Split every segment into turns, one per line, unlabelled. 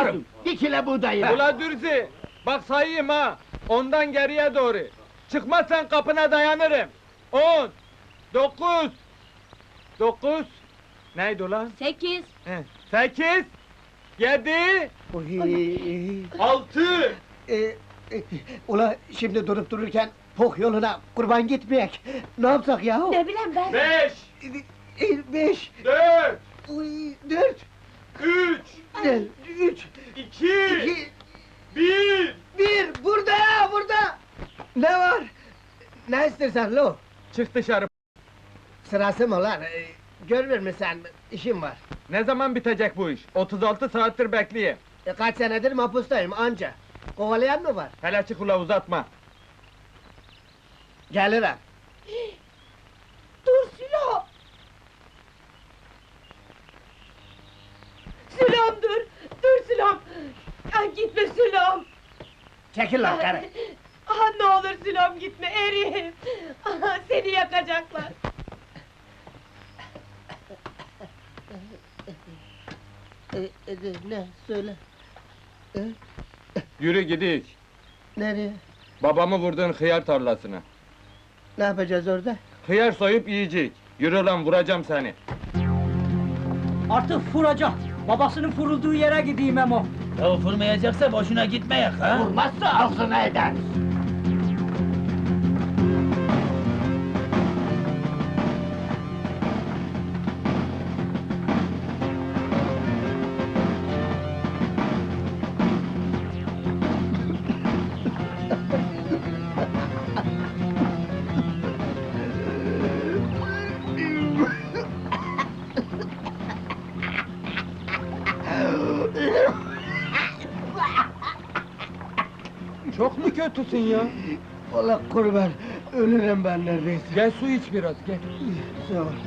Yaparım.
Bir kilo buğdayı.
Ula Dürzi, bak sayayım ha. Ondan geriye doğru. Çıkmazsan kapına dayanırım. 10, 9, 9. Neydi ulan?
8.
8, 7,
Oy.
6.
Ula şimdi durup dururken pok yoluna kurban gitmeyek. Ne yapsak yahu?
Ne bileyim ben.
5,
5,
4,
4,
3,
3,
2,
2,
1.
1, burada ya, burada! Ne var? Ne istersen lo?
Çık dışarı.
Sırası mı lan? Görmüyor musun sen? İşim var.
Ne zaman bitecek bu iş? 36 saattir bekleyeyim.
Kaç senedir mahpustayım anca. Kovalayan mı var?
Hele çık ula uzatma.
Gelirim.
Dur Sülo! Sülom dur! Dur Sülom! Ay gitme Sülom!
Çekil lan karı!
Ah ne olur Sülom gitme eriyim! Ah, seni yakacaklar!
Ne? Söyle.
Yürü gidik.
Nereye?
Babamı vurduğun hıyar tarlasına.
Ne yapacağız orada?
Hıyar soyup yiyecek. Yürü lan vuracağım seni.
Artık vuracak. Babasının vurulduğu yere gideyim Memo.
Ya vurmayacaksa boşuna gitmeyek ha?
Vurmazsa ağzına eder.
Çok mu kötüsün ya?
Allah kurban, ölürüm ben neredeyse.
Gel su iç biraz gel.
Sağ ol.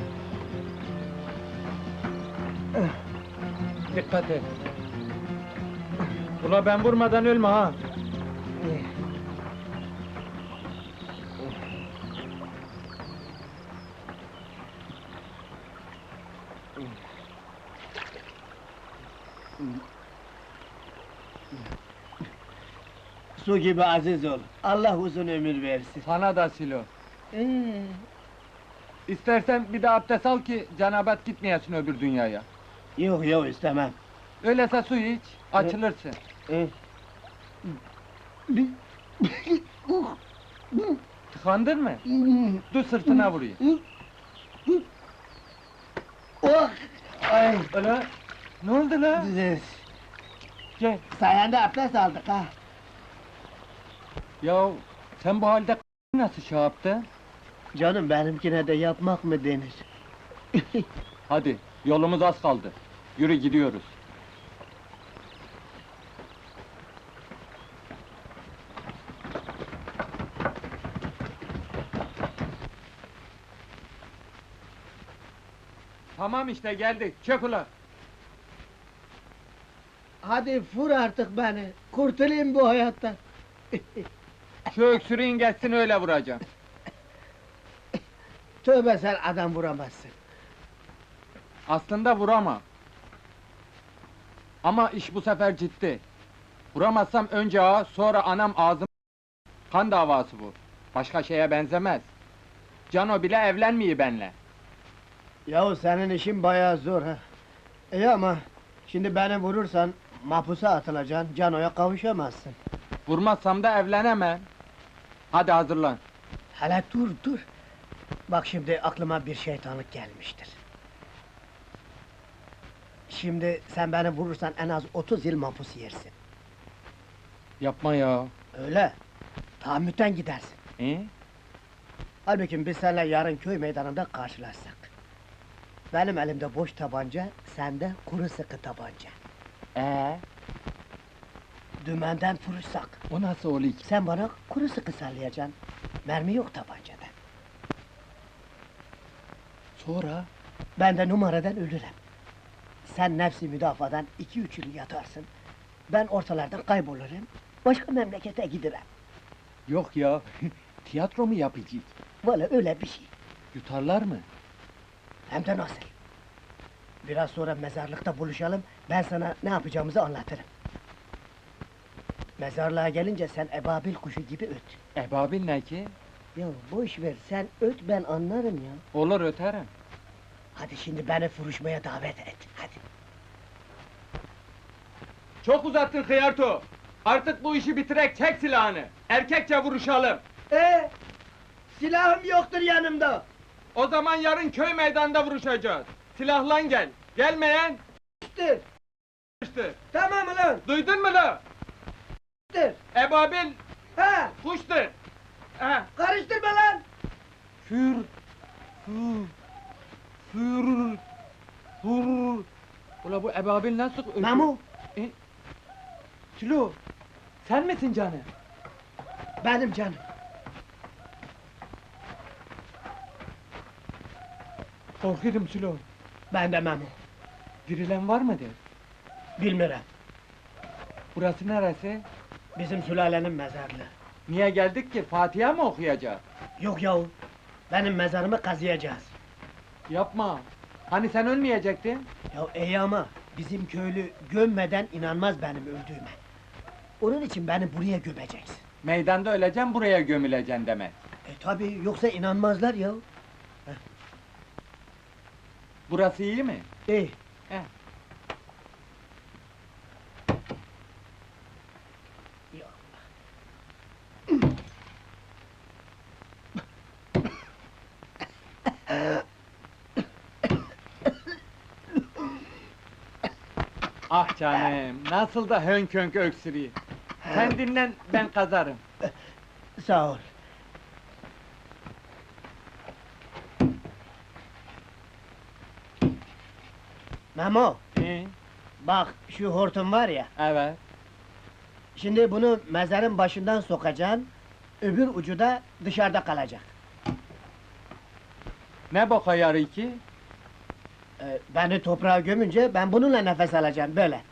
Dikkat et. Ula ben vurmadan ölme ha.
Su gibi aziz ol. Allah uzun ömür versin.
Sana da Silo. İstersen bir de abdest al ki cenabet gitmeyesin öbür dünyaya.
Yok yok istemem.
Öyleyse su iç, açılırsın. Tıkandın mı? Dur sırtına vurayım.
Oh! Ay!
Öyle. Ne oldu la? Gel.
Sayende abdest aldık ha.
Ya sen bu halde nasıl şey yaptın?
Canım benimkine de yapmak mı denir?
Hadi, yolumuz az kaldı. Yürü gidiyoruz. Tamam işte geldik, çök ulan!
Hadi vur artık beni, kurtulayım bu hayattan.
Şu öksürüğün geçsin öyle vuracağım.
Tövbe sen adam vuramazsın.
Aslında vuramam. Ama iş bu sefer ciddi. Vuramazsam önce ağa, sonra anam ağzım... Kan davası bu. Başka şeye benzemez. Cano bile evlenmiyor benle.
Yahu senin işin bayağı zor ha. İyi ama şimdi beni vurursan mahpusa atılacaksın, Cano'ya kavuşamazsın.
Vurmazsam da evlenemem. Hadi hazırlan.
Hele dur. Bak şimdi aklıma bir şeytanlık gelmiştir. Şimdi sen beni vurursan en az 30 yıl mahpus yersin.
Yapma ya.
Öyle. Tahammüten gidersin. Halbuki biz seninle yarın köy meydanında karşılaşsak. Benim elimde boş tabanca, sende kuru sıkı tabanca. Dümenden vuruşsak.
O nasıl oluyor ki?
Sen bana kuru sıkı sallayacaksın. Mermi yok tabancada.
Sonra?
Ben de numaradan ölürüm. Sen nefsi müdafadan 2-3 yıl yatarsın. Ben ortalardan kaybolurum. Başka memlekete giderim.
Yok ya. Tiyatro mu yapacağız?
Valla öyle bir şey.
Yutarlar mı?
Hem de nasıl? Biraz sonra mezarlıkta buluşalım, ben sana ne yapacağımızı anlatırım. Mezarlığa gelince sen ebabil kuşu gibi öt.
Ebabil ne ki?
Ya boş ver, sen öt ben anlarım ya.
Olur öterim.
Hadi şimdi beni vuruşmaya davet et, hadi.
Çok uzattın Hıyarto. Artık bu işi bitirek çek silahını. Erkekçe vuruşalım.
Silahım yoktur yanımda.
O zaman yarın köy meydanında vuruşacağız. Silahlan gel. Gelmeyen işte.
Tamam ulan,
Duydun mu la? Ebabil
ha,
kuştur. Ha.
karıştırma lan!
Für. Für. Für. Für. Ula bu ebabil nasıl ötüyor?
Memo,
Sülo. Sen misin canım?
benim canım.
Korkuyorum Sülo.
Ben de Memo,
Dirilen var mıdır?
bilmirem.
Burası neresi?
Bizim sülalenin mezarlığı.
Niye geldik ki? Fatiha mı okuyacağız?
Yok yahu, benim mezarımı kazıyacağız.
Yapma. Hani sen ölmeyecektin?
Ya iyi ama, bizim köylü gömmeden inanmaz benim öldüğüme. Onun için beni buraya gömeceksin.
Meydanda öleceğim, buraya gömüleceksin demek.
Tabii, yoksa inanmazlar ya.
Burası iyi mi?
İyi.
He.
Ya
Ah canım, nasıl da hönk hönk öksürüyor. Sen dinlen, ben kazarım.
sağ ol. Memo, bak şu hortum var ya,
Evet.
şimdi bunu mezarın başından sokacaksın, öbür ucu da dışarıda kalacak.
Ne boka yarı ki?
Beni toprağa gömünce ben bununla nefes alacağım, böyle.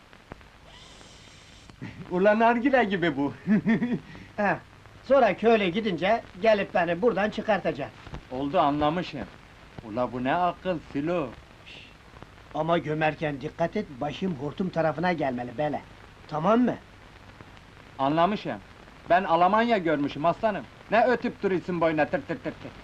Ulan nargile gibi bu.
He. Sonra köyle gidince, gelip beni buradan çıkartacaksın.
Oldu, anlamışım. Ula bu ne akıl Silo.
Ama gömerken dikkat et, başım hortum tarafına gelmeli, böyle. Tamam mı?
Anlamışım. Ben Almanya görmüşüm aslanım. Ne ötüp duruyorsun boyuna tır tır tır tır.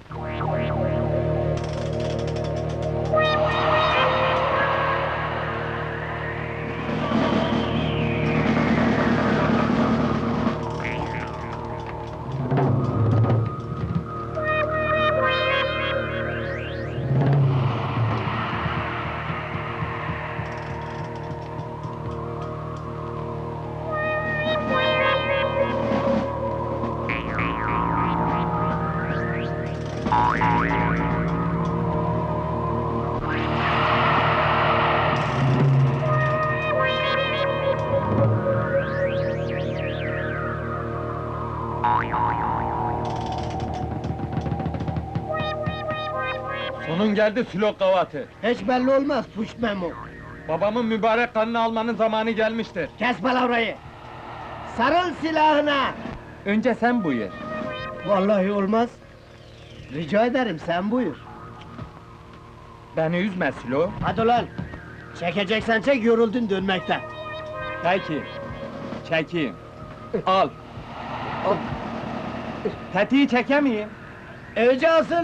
Sonun geldi Silo kavatı.
Hiç belli olmaz, puş Memo.
Babamın mübarek kanını almanın zamanı gelmiştir.
Kes palavrayı! Sarıl silahına!
Önce sen buyur.
Vallahi olmaz. Rica ederim, sen buyur.
Beni üzme Silo.
Hadi ulan! Çekeceksen çek, yoruldun dönmekten.
Peki. Çekeyim. Al. Al. Tetiği çekemeyeyim.
Önce asıl!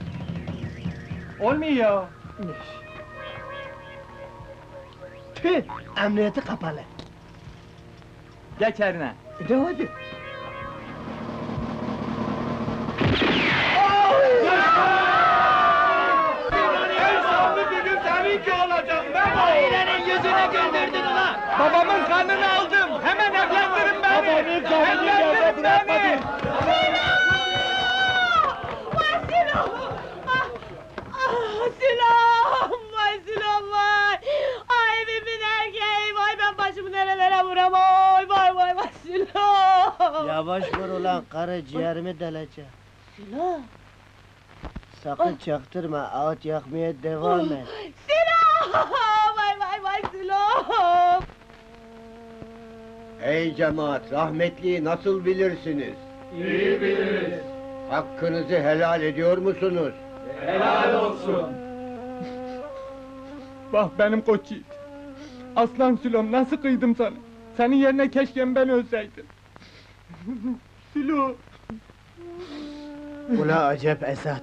Olmuyor.
Tüh! Emniyeti kapalı.
Geç eline.
De hadi!
En sonlu düdük seninki olacak Memo!
Ailenin yüzüne güldürdün ulan!
Babamın kanını aldım! Hemen evlendirin beni!
Babanın kanını
Evlendirin beni!
Vay Sinan! Sinan! Vay Sinan vay! Ay evimin erkeği! Vay ben başımı nerelere vuram! Vay vay vay Sinan!
Yavaş vur ulan, karı ciğerimi deleceğim.
Sinan!
Sakın çaktırma, ağaç yakmaya devam et.
Sinan! Vay vay vay Sinan!
Ey cemaat, rahmetliyi nasıl bilirsiniz?
İyi biliriz.
Hakkınızı helal ediyor musunuz?
Helal olsun. Bak benim koç yiğit. Aslan Sülom nasıl kıydım sana? Senin yerine keşke ben ölseydim. Sülo!
Ula acep Esat.